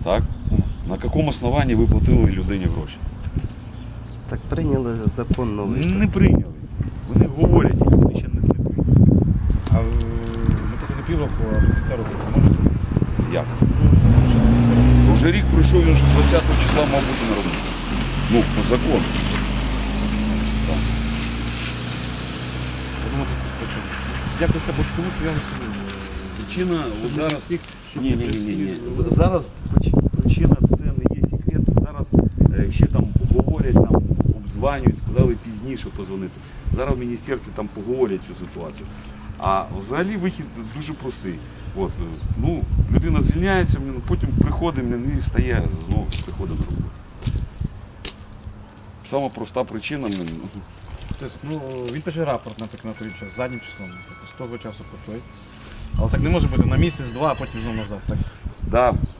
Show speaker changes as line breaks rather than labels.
Так? На якому основанні ви платили людині гроші?
Так прийняли закон новий.
Не прийняли. Вони говорять, вони ще не прийняли.
А ми трохи не півроку, а до кінця року можете?
Як? Уже рік пройшов, він вже 20 числа мав бути на роботі. Ну, по закону. Так.
Подумати якусь причину. Якось так, тому що я вам скажу.
Причина
Щоб
зараз...
не всіх, щоб
Ні.
вже всі-
Зараз причина це не є секрет. Зараз ще там говорять, там обзванюють, сказали пізніше позвонити. Зараз в міністерстві там поговорять цю ситуацію. А взагалі вихід дуже простий. От, ну, людина звільняється, потім приходить і стає, знову приходить на роботу. Сама проста причина.
Тобто, ну, він пише рапорт, наприклад, на той час, заднім числом, тобто, з того часу по той. Але так не може бути на місяць-два, а потім знову назад. Так?
Да,